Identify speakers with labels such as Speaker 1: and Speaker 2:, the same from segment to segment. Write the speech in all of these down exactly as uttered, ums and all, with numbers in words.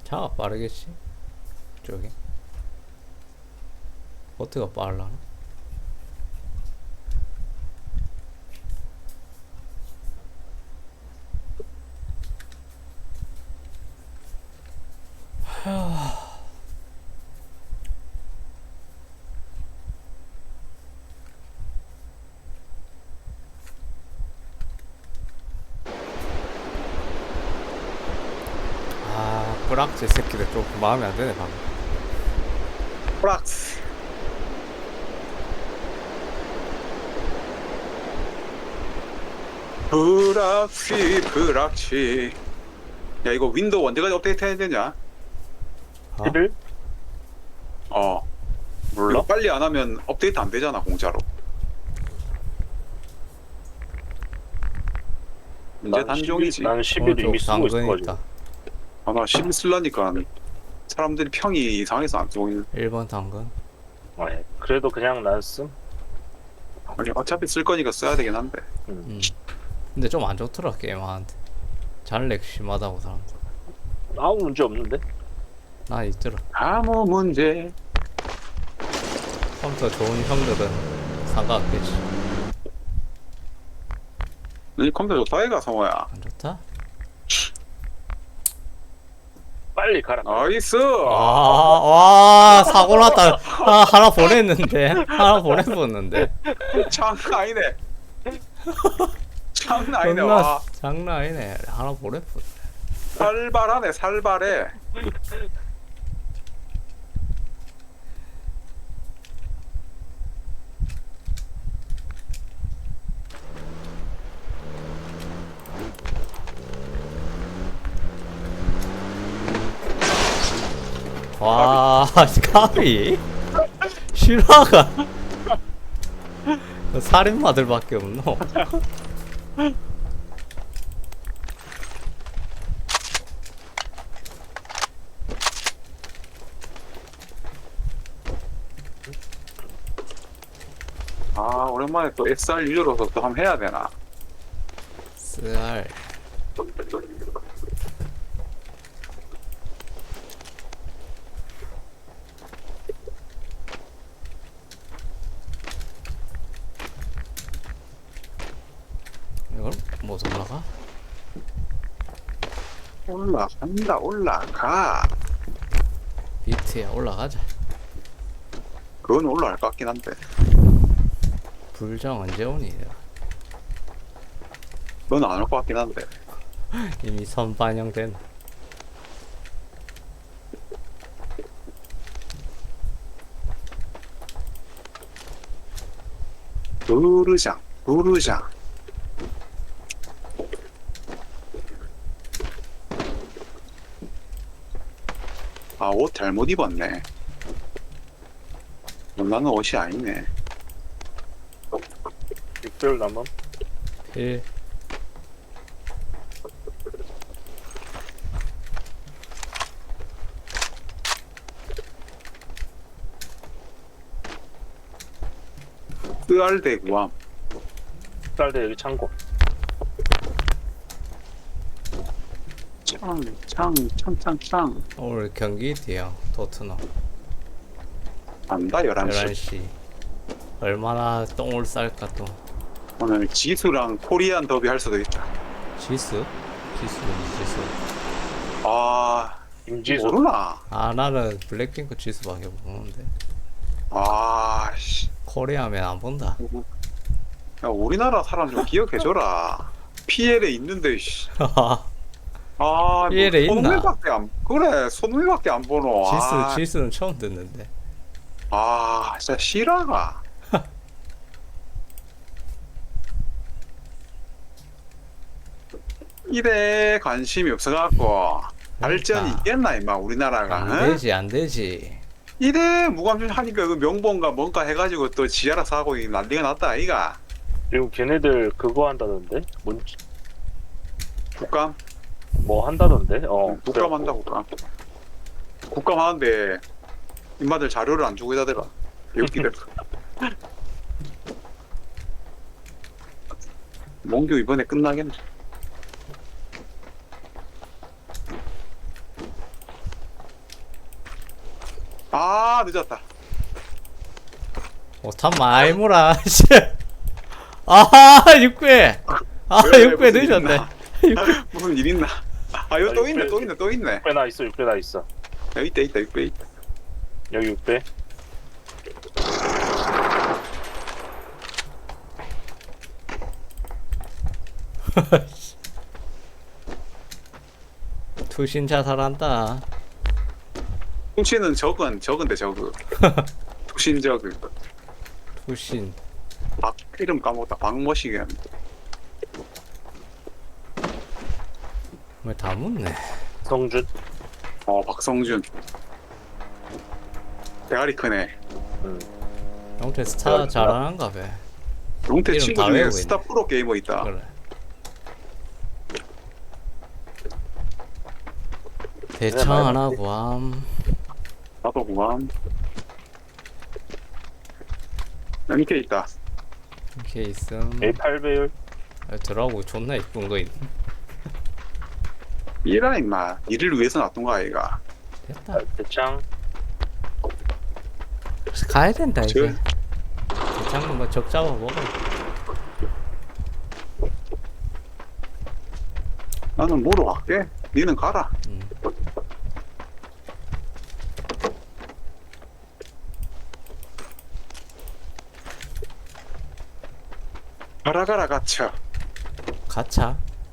Speaker 1: 차가 빠르겠지. 저기 보트가 빠르려나? 아, 뿌락지 새끼들 좀 마음에 안 드네 방금.
Speaker 2: 프락스. 프락시 프락시. 야 이거 윈도우 언제까지 업데이트 해야 되냐?
Speaker 1: 어?
Speaker 3: 십일?
Speaker 2: 어
Speaker 3: 몰라?
Speaker 2: 이거 빨리 안 하면 업데이트 안 되잖아 공짜로. 문제 단종이지.
Speaker 3: 난 십일 이미 쓰고 있어가지고.
Speaker 1: 있다.
Speaker 2: 아나 십 쓸라니까 사람들이 평이 이상해서 안 쓰고 있는.
Speaker 1: 일 번 당근.
Speaker 3: 아, 예. 그래도 그냥 난 쓴.
Speaker 2: 아니 어차피 쓸 거니까 써야 되긴 한데.
Speaker 3: 음.
Speaker 1: 음. 근데 좀 안 좋더라 게임한테. 잔렉 심하다고 사람들.
Speaker 3: 아무 문제 없는데?
Speaker 1: 난 있더라.
Speaker 2: 아무 문제.
Speaker 1: 컴퓨터 좋은 형들은 상관없겠지.
Speaker 2: 이 컴퓨터 좋다 이가 성호야.
Speaker 1: 안 좋다?
Speaker 3: 빨리 가라.
Speaker 2: 나이스.
Speaker 1: 아, 와, 사고 났다. 아, 하나 보냈는데. 하나 보내봤는데.
Speaker 2: 장난 아니네. 장난 아니네.
Speaker 1: 존나
Speaker 2: 와
Speaker 1: 장난 아니네. 하나 보냈어.
Speaker 2: 살발하네 살발해.
Speaker 1: 와, 까비? 실화가 살인마들밖에 없노.
Speaker 2: 아 오랜만에 또 에스알 유저로서 또 한번 해야 되나?
Speaker 1: 쌀. 이걸 못 올라가?
Speaker 2: 올라간다 올라가.
Speaker 1: 비트야 올라가자.
Speaker 2: 그건 올라갈 것 같긴 한데.
Speaker 1: 불정 언제 오니?
Speaker 2: 넌 안 올 것 같긴 한데.
Speaker 1: 이미 선반영된.
Speaker 2: 부르장 부르장. 아 옷 잘못 입었네. 나는 옷이 아니네.
Speaker 3: 육 개월 남은.
Speaker 1: 일.
Speaker 2: 쓰알대 구함.
Speaker 3: 쌀대 여기 창고.
Speaker 2: 창창창창창.
Speaker 1: 오늘 경기 뒤야 토트넘
Speaker 2: 안다 열한 시.
Speaker 1: 열한 시. 얼마나 똥을 쌀까 또.
Speaker 2: 오늘 지수랑 코리안 더비 할 수도 있다.
Speaker 1: 지수? 지수 지수.
Speaker 2: 아
Speaker 3: 임지수.
Speaker 2: 모르나?
Speaker 1: 아 나는 블랙핑크 지수밖에 모르는데.
Speaker 2: 아 씨.
Speaker 1: 코리아면 안 본다.
Speaker 2: 야 우리나라 사람 좀 기억해줘라. 피엘에 있는데 씨. 아,
Speaker 1: 피엘에 있나?
Speaker 2: 손흥민밖에 안 그래 손흥민밖에 안 보노.
Speaker 1: 지수
Speaker 2: 아,
Speaker 1: 지수는 처음 듣는데.
Speaker 2: 아 진짜 실화가. 이래 관심이 없어갖고 발전이
Speaker 1: 그러니까.
Speaker 2: 있겠나 임마 우리나라가.
Speaker 1: 안
Speaker 2: 응?
Speaker 1: 되지 안 되지.
Speaker 2: 이래 무관심 하니까 그 명본가 뭔가 해가지고 또 지하라 사고 이 난리가 났다 아이가.
Speaker 3: 그리고 걔네들 그거 한다던데? 뭔,
Speaker 2: 국감?
Speaker 3: 뭐 한다던데? 어.
Speaker 2: 응, 국감 한다 국감. 국감 하는데 인마들 자료를 안 주고 있다더라. 개웃기더라. 몽규 이번에 끝나겠네. 늦었다.
Speaker 1: 오탄 많이 몰아. 씨. 아, 육배. 아,
Speaker 2: 왜,
Speaker 1: 육배
Speaker 2: 무슨 일
Speaker 1: 늦었네.
Speaker 2: 있나? 무슨 일 있나? 아 여기 또 있네 또 있네 또 있네.
Speaker 3: 육 배 나 있어 육 배 나 있어.
Speaker 2: 여기 있다 있다 있다 있다.
Speaker 3: 여기 육 배.
Speaker 1: 투신 자살한다.
Speaker 2: 훔치는 적은 적은데 적은. 투신 적은.
Speaker 1: 투신.
Speaker 2: 박 이름 까먹었다. 박머시겐.
Speaker 1: 왜 다 묻네.
Speaker 3: 성준.
Speaker 2: 어 박성준. 대가리 크네.
Speaker 3: 응.
Speaker 1: 영태 스타 잘하는가 봐.
Speaker 2: 용태
Speaker 1: 이름
Speaker 2: 친구
Speaker 1: 다
Speaker 2: 중에
Speaker 1: 외우고
Speaker 2: 스타
Speaker 1: 있네.
Speaker 2: 프로 게이머 있다.
Speaker 1: 그래. 대창 안 하고 함.
Speaker 2: 나도 구함. 엠케이 있다.
Speaker 1: 이렇게 있음.
Speaker 3: 에이 팔 배율.
Speaker 1: 아, 들어가고 존나 이쁜 거 있네.
Speaker 2: 이라 임마. 이를 위해서 놔둔 거 아이가.
Speaker 1: 됐다.
Speaker 3: 아, 대창.
Speaker 1: 가야 된다 이제.
Speaker 2: 저-
Speaker 1: 대창 뭐적 잡아 먹어.
Speaker 2: 나는 뭐로 갈게. 니는 가라.
Speaker 1: 음.
Speaker 2: 가라 가라 가차.
Speaker 1: 가차.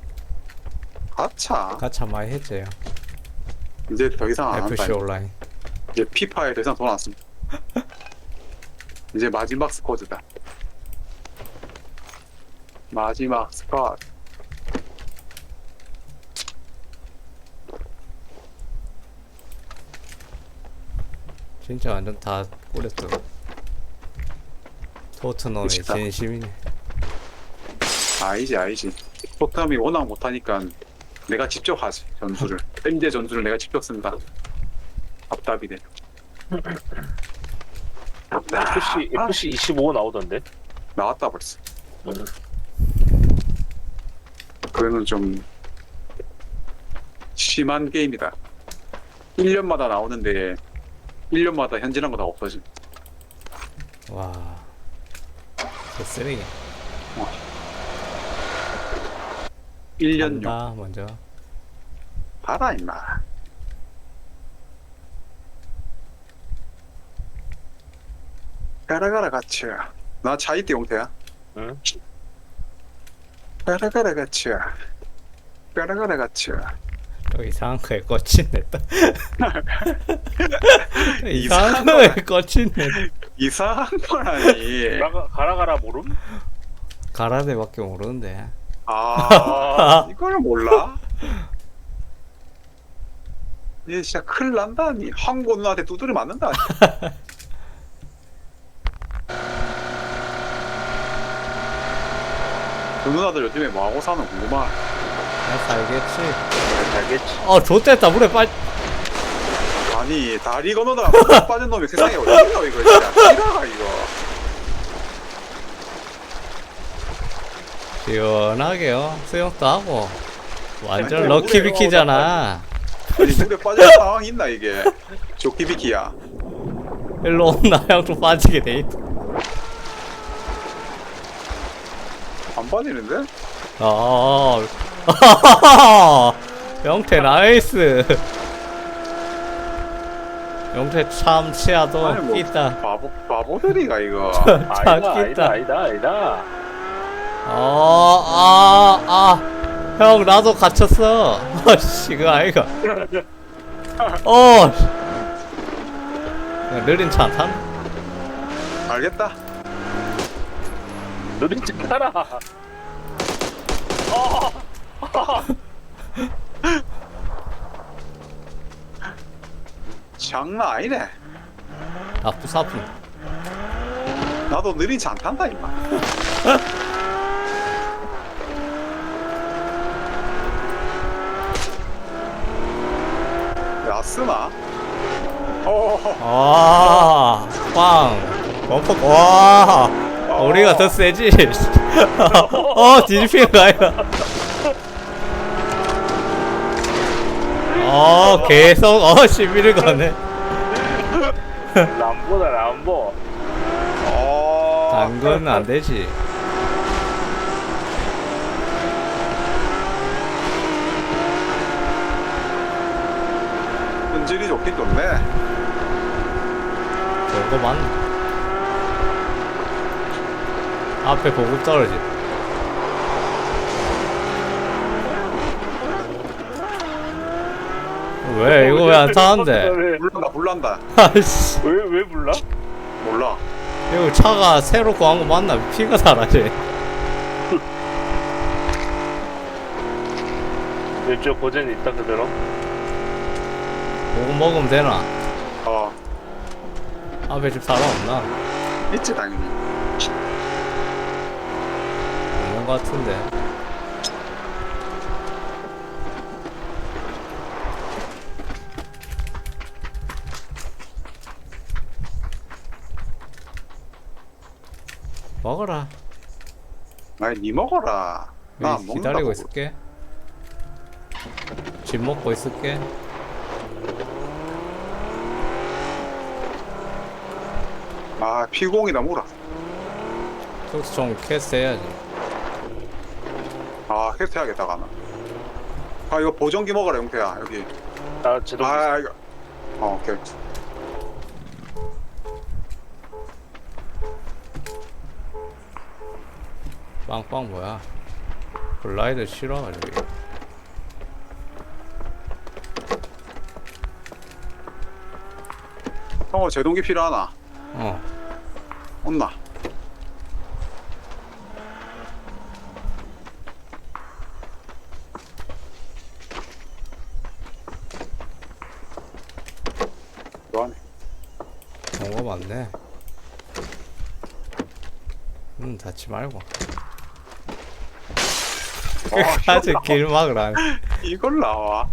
Speaker 2: 가차.
Speaker 1: 가차 많이 했죠.
Speaker 2: 이제 더 이상 안
Speaker 1: 에프씨
Speaker 2: 한다.
Speaker 1: 온라인.
Speaker 2: 이제 피파에 더 이상 돈 안 씁니다. 이제 마지막 스쿼드다. 마지막 스쿼드.
Speaker 1: 진짜 완전 다 꾸렸어. 토트넘의
Speaker 2: 미치다.
Speaker 1: 진심이네.
Speaker 2: 아니지 아니지. 토트넘이 워낙 못하니까 내가 직접 하지 전술을. 엠제 전술을 내가 직접 쓴다. 답답이네.
Speaker 3: 에프씨
Speaker 2: 아,
Speaker 3: 에프씨 이십오 나오던데.
Speaker 2: 나왔다 벌써.
Speaker 3: 응.
Speaker 2: 그거는 좀 심한 게임이다. 일 년마다 나오는데 일 년마다 현질한 거 다 없어짐.
Speaker 1: 와. 저 쓰레기.
Speaker 2: 일 년용.
Speaker 1: 간다 먼저.
Speaker 2: 봐라 임마. 가라 가라 같이야. 나 차이띠 용태야.
Speaker 3: 응.
Speaker 2: 가라 가라 같이야. 가라 가라 같이야.
Speaker 1: 또 이상한 거에 꽂히네 또. 이상한
Speaker 2: 이상한
Speaker 1: 거에
Speaker 2: 거야.
Speaker 1: 꽂히네.
Speaker 2: 이상한 거라니.
Speaker 3: 가라 가라 가라 모름?
Speaker 1: 가라데밖에 모르는데.
Speaker 2: 아 이걸 몰라? 얘 진짜 큰일 난다니. 한국 누나한테 두드려 맞는다. 그 누나들 요즘에 뭐하고 사는 궁금하.
Speaker 1: 나 살겠지.
Speaker 3: 알겠지.
Speaker 1: 어 좋댔다 물에 빠져.
Speaker 2: 아니 다리 건너다가 물 빠진 놈이 세상에 어디가 이거 진짜 싫어가 이거.
Speaker 1: 시원하게요. 수영도 하고. 완전
Speaker 2: 아니,
Speaker 1: 럭키비키잖아.
Speaker 2: 아니 물에 빠질 상황 있나 이게. 조키비키야.
Speaker 1: 일로 온나 형좀 빠지게 돼 있다.
Speaker 2: 안 빠지는데?
Speaker 1: 어. 영태 나이스. 영태 참 치아도
Speaker 2: 아니, 뭐.
Speaker 1: 있다.
Speaker 2: 바보 바보들이가 이거.
Speaker 3: 아니다 아니다
Speaker 1: 있다.
Speaker 3: 아니다 아니다.
Speaker 1: 어, 아, 아, 형 나도 갇혔어. 씨, 그거 아이가. 어, 야, 느린 차 안 탄?
Speaker 2: 알겠다.
Speaker 3: 느린 척 따라.
Speaker 2: 장난 아니네.
Speaker 1: 아프 사프.
Speaker 2: 나도 느린 차 안 탄다 임마. 야 쓰나? 어.
Speaker 1: 아, 빵, 범퍼, 와, 우리가 더 세지. 어, 뒤집히는 거 아이가. 어, 계속 어 시비를 거네.
Speaker 3: 람보다 람보.
Speaker 2: 어.
Speaker 1: 당근은 안 되지.
Speaker 2: 품질이 좋긴 좋네.
Speaker 1: 저거 맞나? 앞에 보급 떨어지. 왜 이거 왜 안 타는데?
Speaker 2: 불난다 불난다.
Speaker 1: 아이씨,
Speaker 3: 왜왜 불나?
Speaker 2: 몰라.
Speaker 1: 이거 차가 새로 구한 거 맞나? 피가 달아지.
Speaker 3: 왼쪽 고전이 있다 그대로.
Speaker 1: 보급 먹으면 되나?
Speaker 2: 어.
Speaker 1: 앞에 집 사람 없나?
Speaker 2: 있지 당연히.
Speaker 1: 없는 거 같은데. 먹어라.
Speaker 2: 아니 니 먹어라. 나 안
Speaker 1: 여기
Speaker 2: 먹는다.
Speaker 1: 기다리고 있을게. 집 먹고 있을게.
Speaker 2: 아 피공이다 뭐라.
Speaker 1: 특수총 캐스트 해야지.
Speaker 2: 아 캐스트 해야겠다 가나. 아 이거 보정기 먹어라 용태야 여기.
Speaker 3: 나 제동.
Speaker 2: 아 이거. 어 오케이.
Speaker 1: 빵빵 뭐야? 글라이더 싫어가지고.
Speaker 2: 형어 제동기 필요하나?
Speaker 1: 어.
Speaker 2: 없나? 뭐하네.
Speaker 1: 좋은 거 많네. 음, 닫지 말고. 끝까지 길 막으라.
Speaker 2: 이걸 나와.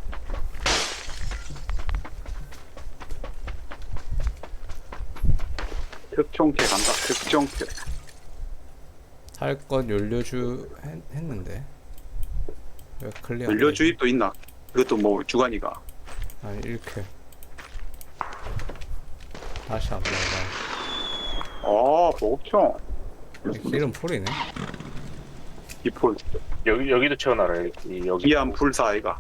Speaker 2: 특종캐 간다. 특종캐.
Speaker 1: 할 것 연료주 했, 했는데. 왜 클리어? 안
Speaker 2: 연료
Speaker 1: 되지?
Speaker 2: 주입도 있나? 이것도 뭐 주간이가.
Speaker 1: 아니 이렇게. 다시 한번 해봐.
Speaker 2: 어 보급총.
Speaker 1: 길은 풀이네.
Speaker 2: 이폴.
Speaker 3: 여기 여기도 채워놔라 여기. 여기.
Speaker 2: 기안 불사 아이가.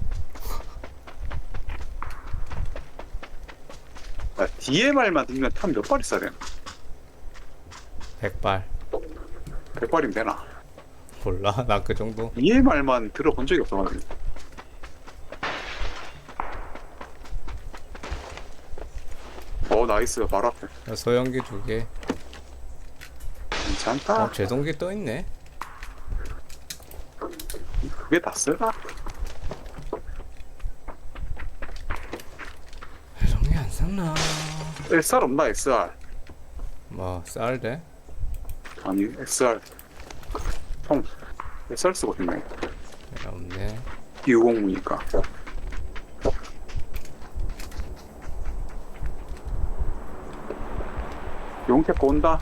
Speaker 2: 야, 디엠알만 들면 탄 몇 발 있어야 되나?
Speaker 1: 백발.
Speaker 2: 백 발이면 되나?
Speaker 1: 몰라. 나 그 정도.
Speaker 2: 디엠알만 들어본 적이 없어가지고. 어 나이스 바로 앞에.
Speaker 1: 소형기 두 개.
Speaker 2: 괜찮다.
Speaker 1: 어, 제동기 떠 있네.
Speaker 2: 그게 다 쓰나?
Speaker 1: 제동기 안 샀나?
Speaker 2: 에스알 없나 에스알?
Speaker 1: 뭐 쌀대?
Speaker 2: 아니 에스알 총 에스알 쓰고 있네.
Speaker 1: 없네.
Speaker 2: 이공무니까. 용태 온다.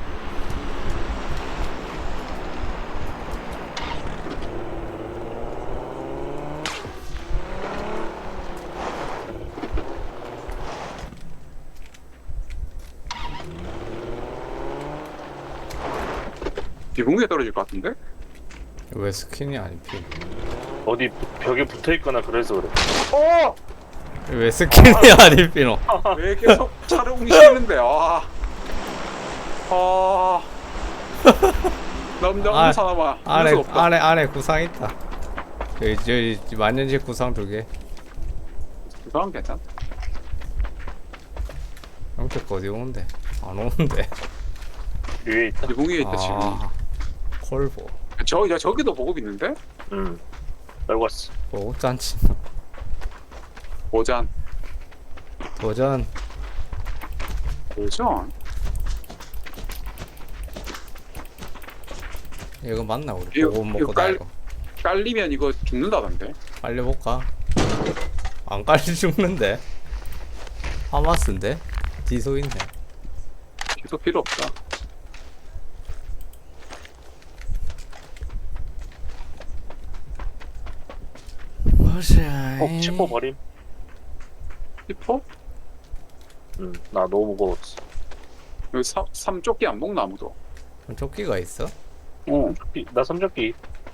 Speaker 2: 비공에 떨어질 것 같은데?
Speaker 1: 왜 스킨이 안 피?
Speaker 3: 어디 벽에 붙어 있거나 그래서 그래.
Speaker 2: 어!
Speaker 1: 왜 스킨이 안 입히노?
Speaker 2: 왜 계속 차를 웅시는데? 아, 아, 남자
Speaker 1: 아,
Speaker 2: 사람아,
Speaker 1: 안에
Speaker 2: 할수 없다.
Speaker 1: 안에 안에 구상 있다. 저기 저 만년식 구상 두 개.
Speaker 2: 그건 괜찮다.
Speaker 1: 형태 어디 오는데? 안 오는데.
Speaker 3: 위에 있다.
Speaker 2: 비공에 있다 지금.
Speaker 1: 아, 콜보.
Speaker 2: 저, 야 저기도 보급 있는데?
Speaker 3: 응. 알고 왔어.
Speaker 1: 보급 잔치.
Speaker 2: 오잔,
Speaker 1: 도전.
Speaker 2: 오잔.
Speaker 1: 이거 맞나 우리?
Speaker 2: 이거-
Speaker 1: 보급
Speaker 2: 이거
Speaker 1: 먹고
Speaker 2: 깔-
Speaker 1: 다니고.
Speaker 2: 깔리면 이거 죽는다던데.
Speaker 1: 빨리 볼까? 안 깔리 죽는데? 하마스인데? 디소 있네.
Speaker 2: 계속 필요 없다.
Speaker 1: 보자.
Speaker 3: 어, 치포 버림.
Speaker 2: 히퍼?
Speaker 3: 응, 나 너무 무거웠어.
Speaker 2: 여기 사, 삼조끼 안 먹나 아무도?
Speaker 1: 조끼가 있어?
Speaker 2: 어.
Speaker 3: 이- 나 삼적기.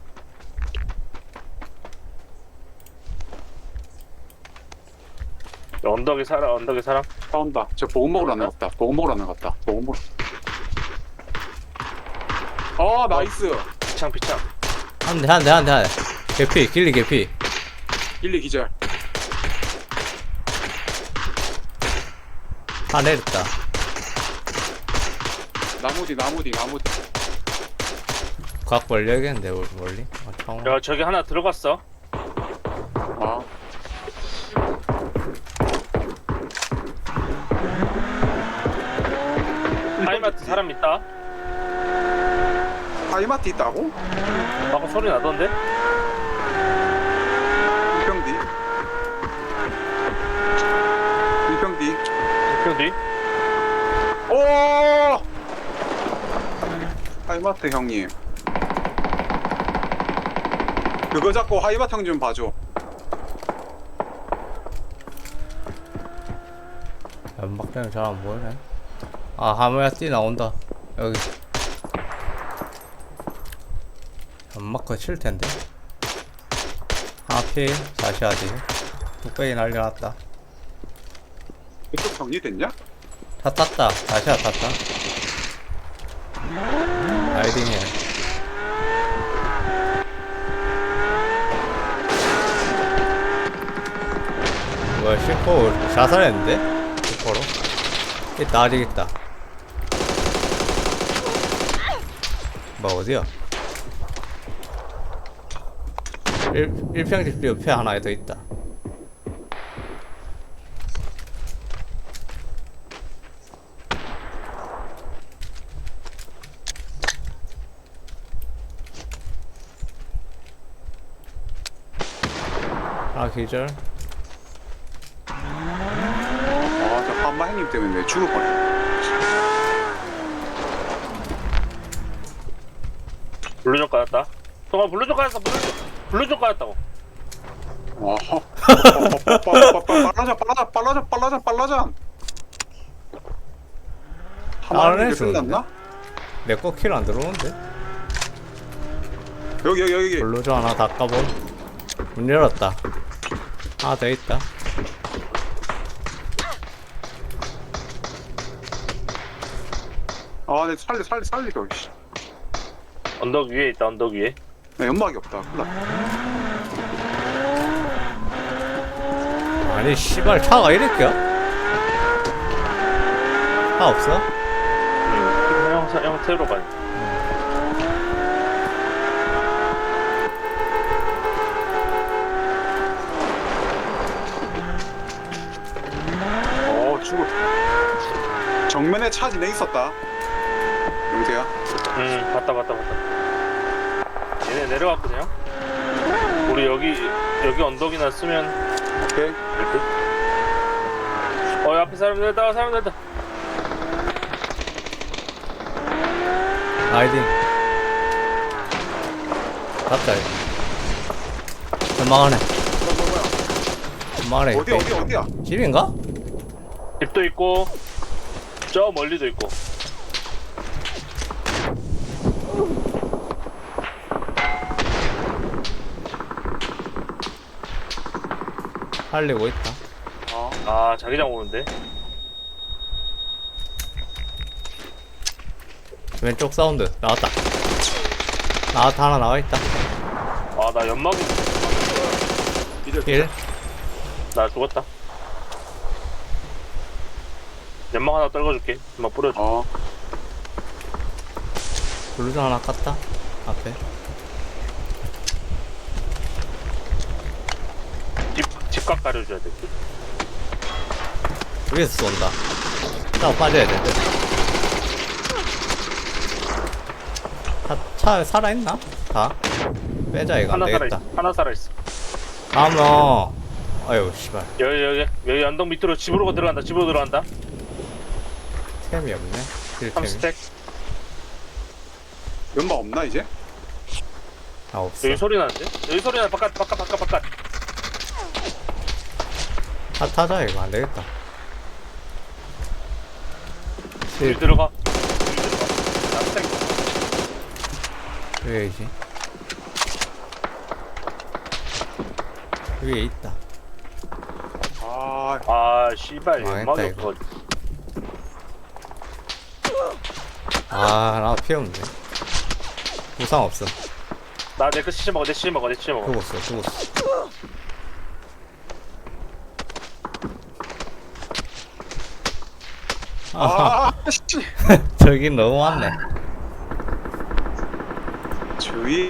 Speaker 3: 언덕에 살아, 언덕에 살아.
Speaker 2: 싸운다. 저 보급 먹으러 나갔다. 보급 먹으러 나갔다. 보급 먹으러. 아 나이스.
Speaker 3: 피창, 피창.
Speaker 1: 한 대, 한 대, 한 대, 한 대. 개피, 길리 개피.
Speaker 2: 일리 기절.
Speaker 1: 다 내렸다.
Speaker 2: 나무 뒤 나무 뒤 나무 뒤.
Speaker 1: 각 벌려야겠는데, 멀- 멀리. 아, 창호.
Speaker 3: 야, 저기 하나 들어갔어.
Speaker 2: 아
Speaker 3: 하이마트 사람 있다.
Speaker 2: 하이마트 있다고?
Speaker 3: 방금 소리 나던데?
Speaker 2: 일평 뒤. 일평 뒤.
Speaker 3: 이평 뒤?
Speaker 2: 오! 하이마트 형님. 그거 잡고 하이마트 형 좀 봐줘.
Speaker 1: 연막대는 잘 안 보이네. 아, 하모야 뛰 나온다. 여기. 연막 칠 텐데. 하필, 다시 하지. 뚝배기 날려놨다.
Speaker 2: 이쪽 정리됐냐?
Speaker 1: 다 땄다. 다시 하 땄다. 라이딩해. 뭐야, 슈퍼 자살했는데? 슈퍼로? 있다, 아직 있다. 뭐, 어디야? 일, 일평집 옆에 하나 더 있다. 아, 기절.
Speaker 2: 아저 한마 형님 때문에 내 죽을 뻔했네.
Speaker 3: 블루존 까였다. 동아 블루존 까였어, 블루존. 블루존 까였다고.
Speaker 2: 어허. 빨라져 빨라져 빨라져 빨라져 빨라져.
Speaker 1: 안
Speaker 2: 하마는
Speaker 1: 해주는데?
Speaker 2: 끝났나?
Speaker 1: 내 거 킬 안 들어오는데?
Speaker 2: 여기 여기 여기.
Speaker 1: 블루저 하나 닦아봄. 문 열었다. 하나 더 있다.
Speaker 2: 아내 살리 살리 살리도. 씨.
Speaker 3: 언덕 위에 있다, 언덕 위에.
Speaker 2: 나 연막이 없다. 큰일 났다.
Speaker 1: 아니 씨발 차가 이랬겨? 차 없어?
Speaker 3: 응, 형, 사- 형 태우러 가니.
Speaker 2: 어 죽을. 정면에 차 진행 있었다. 영태야.
Speaker 3: 응, 봤다, 봤다, 봤다. 얘네 내려갔거든요? 우리 여기, 여기 언덕이나 쓰면
Speaker 2: 오케이.
Speaker 3: 될 듯? 어, 앞에 사람 내렸다, 사람 내렸다.
Speaker 1: 라이딩. 갑자기. 전망하네.
Speaker 2: 뭐야 뭐야
Speaker 1: 전망하네.
Speaker 2: 뭐야. 어디 어디 어디야?
Speaker 1: 집인가?
Speaker 3: 집도 있고, 저 멀리도 있고.
Speaker 1: 살리고 있다.
Speaker 2: 어.
Speaker 3: 아, 자기장 오는데?
Speaker 1: 왼쪽 사운드 나왔다. 나왔다. 하나 나와있다.
Speaker 3: 아, 나 연막이,
Speaker 2: 이제
Speaker 1: 일.
Speaker 3: 나 죽었다. 연막 하나 떨궈줄게. 연막 뿌려줘.
Speaker 2: 어.
Speaker 1: 블루저 하나 깠다. 앞에.
Speaker 3: 집, 집각 가려줘야 돼.
Speaker 1: 위에서 쏜다. 차 빠져야 돼. 차, 차 살아있나? 다? 빼자 이거
Speaker 3: 하나
Speaker 1: 안되겠다.
Speaker 3: 살아있어. 하나 살아있어.
Speaker 1: 다음 너 아유 씨발
Speaker 3: 여기, 여기, 여기 언덕 밑으로 집으로 들어간다. 집으로 들어간다.
Speaker 1: 템이 없네.
Speaker 3: 삼
Speaker 1: 힐템이.
Speaker 3: 스택.
Speaker 2: 연막 없나 이제?
Speaker 1: 아 없어.
Speaker 3: 여기 소리 나는데? 여기 소리 나. 바깥, 바깥, 바깥, 바깥.
Speaker 1: 차 타자 이거 안되겠다.
Speaker 3: 물 들어가. 물 들어가. 납작.
Speaker 1: 왜이지? 위에 있다.
Speaker 2: 아,
Speaker 3: 아, 씨발.
Speaker 1: 망했다,
Speaker 3: 연막이
Speaker 1: 이거.
Speaker 3: 없어.
Speaker 1: 아, 나 필요 없네. 부상 없어.
Speaker 3: 나내거 치즈 먹어, 내 치즈 먹어, 내 치즈 먹어.
Speaker 1: 죽었어, 죽었어. 아,
Speaker 2: 아, 씨.
Speaker 1: 저기 너무 많네.
Speaker 2: 주위.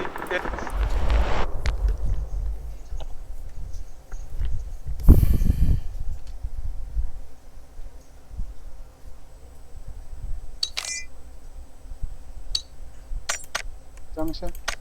Speaker 2: 짱샷.